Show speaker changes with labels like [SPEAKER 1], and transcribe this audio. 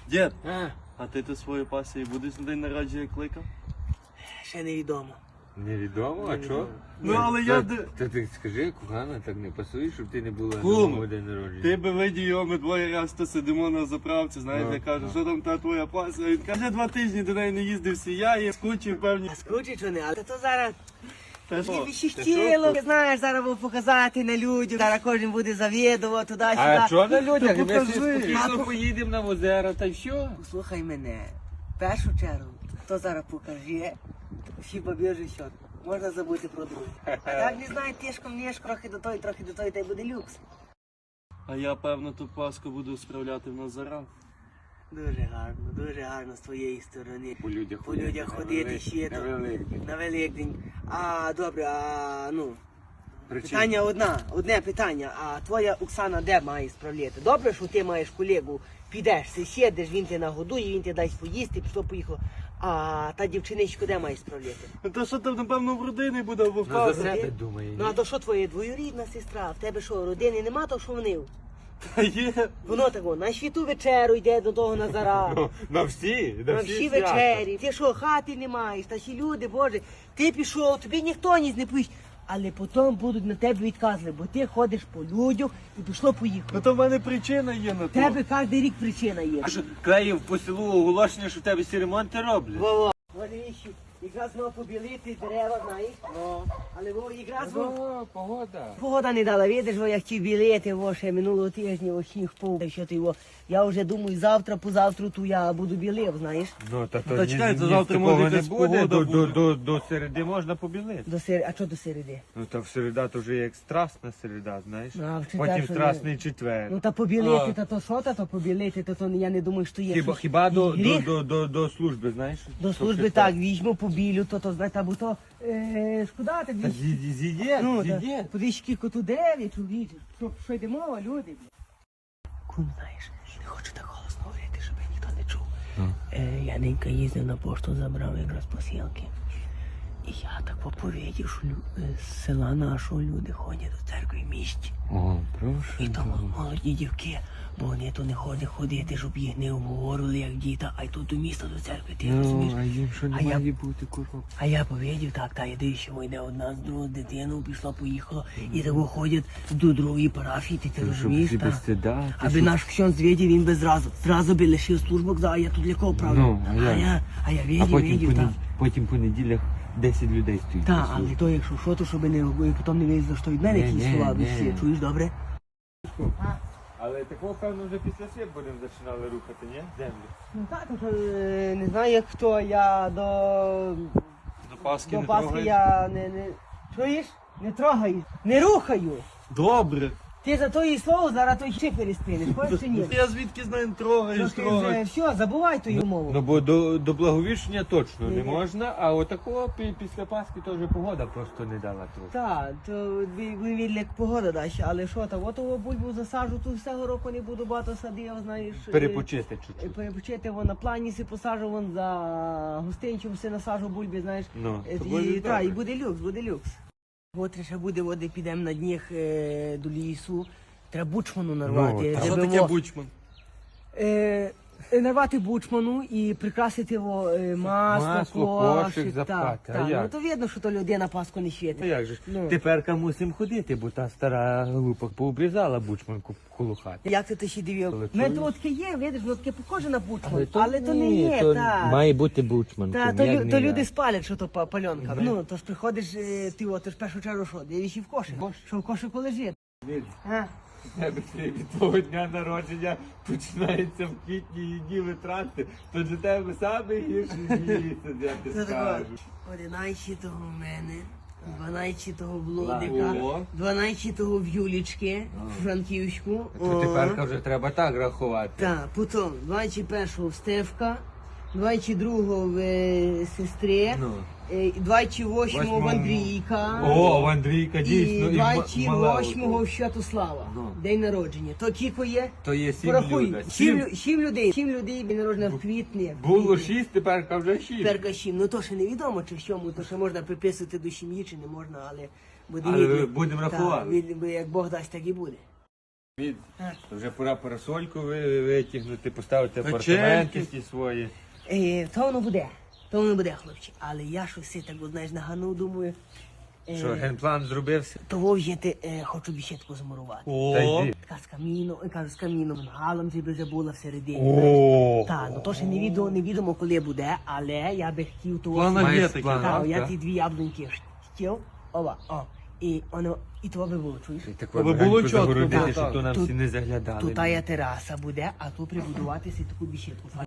[SPEAKER 1] Дід,
[SPEAKER 2] А,
[SPEAKER 1] а ти свою пасію будеш на день народження кликав?
[SPEAKER 2] ще невідомо.
[SPEAKER 3] Невідомо, а що?
[SPEAKER 1] Ну, але я...
[SPEAKER 3] Та ти скажи, кохана, так не пасує, щоб ти не була на
[SPEAKER 1] Кум,
[SPEAKER 3] мого день народження.
[SPEAKER 1] Ти би видів його, ми двоє раз то сидимо на заправці, знаєш, я кажу, що там та твоя пасія? Він каже, 2 тижні до неї не їздив сія, я скучив, певні.
[SPEAKER 2] А скручить вони, але то зараз
[SPEAKER 1] Та що?
[SPEAKER 2] тобі ще хотіло, знаєш, зараз буду показати на людях, зараз кожен буде завідувати туди-сюди.
[SPEAKER 3] А що на людях?
[SPEAKER 1] Та
[SPEAKER 3] Ми всі
[SPEAKER 1] покажи.
[SPEAKER 3] спокійно поїдемо на озеро, та й все.
[SPEAKER 2] Послухай мене, в першу чергу, хто зараз покаже, всі побіжуть, що можна забути про друге. А так не знаю, тишком ніж, трохи до той, та й буде люкс.
[SPEAKER 1] А я, певно, ту паску буду справляти в Назарах.
[SPEAKER 2] Дуже гарно з твоєї сторони.
[SPEAKER 3] По людях
[SPEAKER 2] Ходити ще
[SPEAKER 3] на
[SPEAKER 2] то.
[SPEAKER 3] Великдень.
[SPEAKER 2] На Великдень. А, добре,
[SPEAKER 3] Причина.
[SPEAKER 2] питання одне питання. А твоя Оксана де має справляти? Добре, що ти маєш колегу, підеш, сидиш, він тебе нагодує, він тебе дасть поїсти, поїхало. А та дівчиничку де має справляти?
[SPEAKER 1] Ну, то що там, напевно, в родині буде або в
[SPEAKER 3] Ну, за
[SPEAKER 1] казі.
[SPEAKER 3] себе думає.
[SPEAKER 2] Ну а то що твоя двоюрідна сестра? В тебе що, родини нема, то що вони?
[SPEAKER 1] Та є.
[SPEAKER 2] Воно тако, на світу вечеру йде до того Назара.
[SPEAKER 3] На всі,
[SPEAKER 2] На всі вечері. Ти що, хати не маєш, та всі люди, Боже, ти пішов, тобі ніхто ніс не пусть. Але потім будуть на тебе відказувати, бо ти ходиш по людях і поїхало.
[SPEAKER 1] Ну то в мене причина є на
[SPEAKER 2] В
[SPEAKER 1] то.
[SPEAKER 2] тебе кожен рік причина є.
[SPEAKER 3] А що, клеїв по селу оголошення, що в тебе всі ремонти роблять?
[SPEAKER 2] Во-во. Вони ще якраз мав побілити дерева, знаєш. Але якраз
[SPEAKER 3] Погода.
[SPEAKER 2] погода не дала, видиш, я хотів білити, ще минулого тижня, сніг впав. Що ти його, я вже думаю, завтра, позавтра ту я буду білив, знаєш.
[SPEAKER 3] Ну, та
[SPEAKER 1] Та чекай, то завтра може
[SPEAKER 3] не
[SPEAKER 1] якась
[SPEAKER 3] буде,
[SPEAKER 1] погода буде.
[SPEAKER 3] до середи можна побілити.
[SPEAKER 2] А що до середи?
[SPEAKER 3] Ну, та в середа то вже як страсна середа, знаєш.
[SPEAKER 2] А, в четвер
[SPEAKER 3] Потім
[SPEAKER 2] що
[SPEAKER 3] страсний четвер.
[SPEAKER 2] Ну та побілити, та то що, то побілити, то я не думаю, що є. щось.
[SPEAKER 3] Хіба
[SPEAKER 2] Гріх?
[SPEAKER 3] до служби, знаєш?
[SPEAKER 2] До
[SPEAKER 3] Щоб
[SPEAKER 2] служби
[SPEAKER 3] щось
[SPEAKER 2] так, візьму, побілю, то знаєте, або то, шкода так
[SPEAKER 3] Та
[SPEAKER 2] візьму.
[SPEAKER 3] з'їдє,
[SPEAKER 2] Ну,
[SPEAKER 3] з'їдє.
[SPEAKER 2] подивись, скільки тут дерев, чоловіче. Що йде мова, люди? Кун, знаєш, не хочу так голосно говорити, щоб ніхто не чув. Я ненька їздив на пошту, забрав якраз посилки. І я так поповідів, що з села нашого люди ходять до церкви в місті.
[SPEAKER 3] О, прошу.
[SPEAKER 2] І тому молоді дівки, бо вони то не ходять ходити, щоб їх не обговорили, як діта, а й тут до міста, до церкви, ти розумієш?
[SPEAKER 3] Ну, а їм що
[SPEAKER 2] А
[SPEAKER 3] не
[SPEAKER 2] я-
[SPEAKER 3] має бути, курва?
[SPEAKER 2] А я повідів, так, та йди, що йде одна з другою дитиною, пішла, поїхала, і того ходять до другої парафії, ти
[SPEAKER 3] Щоб
[SPEAKER 2] розумієш,
[SPEAKER 3] всі без
[SPEAKER 2] так?
[SPEAKER 3] стида. ти
[SPEAKER 2] Аби
[SPEAKER 3] що?
[SPEAKER 2] наш ксьонз відів, він би зразу би лишив службу, казав, а я тут для кого правлю?
[SPEAKER 3] Ну, а я?
[SPEAKER 2] відів, так.
[SPEAKER 3] Потім по неділях 10 людей стоїть.
[SPEAKER 2] Так,
[SPEAKER 3] на
[SPEAKER 2] але
[SPEAKER 3] службі.
[SPEAKER 2] то якщо що, то щоб не потім не вийшло, що від мене
[SPEAKER 3] Ні,
[SPEAKER 2] якісь
[SPEAKER 3] ні,
[SPEAKER 2] слова,
[SPEAKER 3] ні.
[SPEAKER 2] всі, чуєш, добре?
[SPEAKER 3] Але такого, певно, вже після свят будемо починали рухати, ні? Землю.
[SPEAKER 2] Ну так, то, не знаю як хто, я
[SPEAKER 1] До Пасхи
[SPEAKER 2] до
[SPEAKER 1] не
[SPEAKER 2] Пасхи
[SPEAKER 1] трогай.
[SPEAKER 2] я чуєш? Не трогаю, не рухаю.
[SPEAKER 1] Добре.
[SPEAKER 2] Ти за то її слово зараз той ще переспинеш, хочеш чи ні?
[SPEAKER 1] Я звідки знаю, трогаєш,
[SPEAKER 2] Трохи
[SPEAKER 1] трогаєш.
[SPEAKER 2] вже, все, забувай ту мову.
[SPEAKER 3] Ну, бо до благовіщення точно
[SPEAKER 2] Ні,
[SPEAKER 3] не
[SPEAKER 2] ні.
[SPEAKER 3] можна, а отакого після Пасхи теж погода просто не дала трохи.
[SPEAKER 2] Так, то ви як погода дасть, але що там, отого бульбу засаджу, тут всього року не буду багато садив, знаєш.
[SPEAKER 3] Перепочити чуть-чуть.
[SPEAKER 2] Перепочити, вон на плані си посаджу, вон за гостинчим си насаджу бульби, знаєш.
[SPEAKER 3] Ну, то
[SPEAKER 2] І,
[SPEAKER 3] буде
[SPEAKER 2] та, і
[SPEAKER 3] добре.
[SPEAKER 2] буде люкс, буде люкс. От ще буде, от підемо на дніх до лісу, треба бучману нарвати.
[SPEAKER 3] Ну,
[SPEAKER 1] Що
[SPEAKER 2] щоб
[SPEAKER 1] таке
[SPEAKER 2] во-
[SPEAKER 1] бучман?
[SPEAKER 2] нарвати бучману і прикрасити його масло,
[SPEAKER 3] кошик запхати. А
[SPEAKER 2] Так,
[SPEAKER 3] як?
[SPEAKER 2] ну то видно, що то людей на Пасху не
[SPEAKER 3] Ну
[SPEAKER 2] світить.
[SPEAKER 3] як же ж,
[SPEAKER 2] Ну.
[SPEAKER 3] теперка мусимо ходити, бо та стара глупа пообрізала бучманку коло хати.
[SPEAKER 2] Як ти ще дивив?
[SPEAKER 3] Але
[SPEAKER 2] Ми
[SPEAKER 3] чуєш?
[SPEAKER 2] то таке є, видиш, воно таке похоже на бучман, але то не є, так.
[SPEAKER 3] Має бути бучман.
[SPEAKER 2] Та, то люди спалять, що то пальонка. Ну, то ж приходиш, ти ж в першу чергу що, дивишся в кошик, що в кошику лежить. А?
[SPEAKER 3] Тебе від того дня народження починається в квітні і дні витрати, то для тебе саме гірший місяць, я ти
[SPEAKER 2] Це тако,
[SPEAKER 3] скажу.
[SPEAKER 2] 11-го в мене, 12-го в Блодика,
[SPEAKER 1] О.
[SPEAKER 2] 12-го в Юлічки, в Франківську.
[SPEAKER 3] То теперка вже треба так рахувати.
[SPEAKER 2] Так, потім 21-го в Стевка, 22-го в сестри,
[SPEAKER 3] Ну.
[SPEAKER 2] 28-го в Андрійка.
[SPEAKER 3] О, в Андрійка
[SPEAKER 2] І
[SPEAKER 3] дійсно. і мала
[SPEAKER 2] 28-го в Святослава,
[SPEAKER 3] Ну.
[SPEAKER 2] день народження. То кілько є?
[SPEAKER 3] То є 7
[SPEAKER 2] Порахуй,
[SPEAKER 3] людей.
[SPEAKER 2] 7 людей день народження в квітні.
[SPEAKER 3] Було 6, теперка вже 6.
[SPEAKER 2] Перка 7. Ну то ще невідомо, чи сьому, то ще можна приписувати до сім'ї, чи не можна, але буде
[SPEAKER 3] Але
[SPEAKER 2] видно.
[SPEAKER 3] будемо
[SPEAKER 2] Так,
[SPEAKER 3] рахувати.
[SPEAKER 2] як Бог дасть, так і буде.
[SPEAKER 3] То вже пора парасольку витягнути, поставити
[SPEAKER 1] Печеньки.
[SPEAKER 3] апартаменти ті свої.
[SPEAKER 2] То воно буде, хлопче. Але я щось так, от, знаєш, наганув, думаю.
[SPEAKER 3] Що, генплан зробився?
[SPEAKER 2] Того в'їти хочу бішетку замурувати.
[SPEAKER 3] Та
[SPEAKER 1] О,
[SPEAKER 3] йди.
[SPEAKER 2] Така з каміном, галом ти би вже була всередині.
[SPEAKER 3] О,
[SPEAKER 2] Так, ну то ще невідомо, коли буде, але я би хотів того.
[SPEAKER 1] плана
[SPEAKER 3] Маєш
[SPEAKER 1] є такі.
[SPEAKER 3] план.
[SPEAKER 2] Так,
[SPEAKER 3] так,
[SPEAKER 2] я
[SPEAKER 3] так.
[SPEAKER 2] ті 2 яблуньки хотів, і воно, і того би було, чуєш?
[SPEAKER 3] І так
[SPEAKER 1] Аби
[SPEAKER 3] легенько
[SPEAKER 1] було чітко,
[SPEAKER 3] загородити,
[SPEAKER 1] так,
[SPEAKER 3] щоб
[SPEAKER 1] так.
[SPEAKER 3] то нам
[SPEAKER 2] Тут-
[SPEAKER 3] всі не заглядали.
[SPEAKER 2] Тут тая тераса буде, а тут прибудуватися таку бішетку.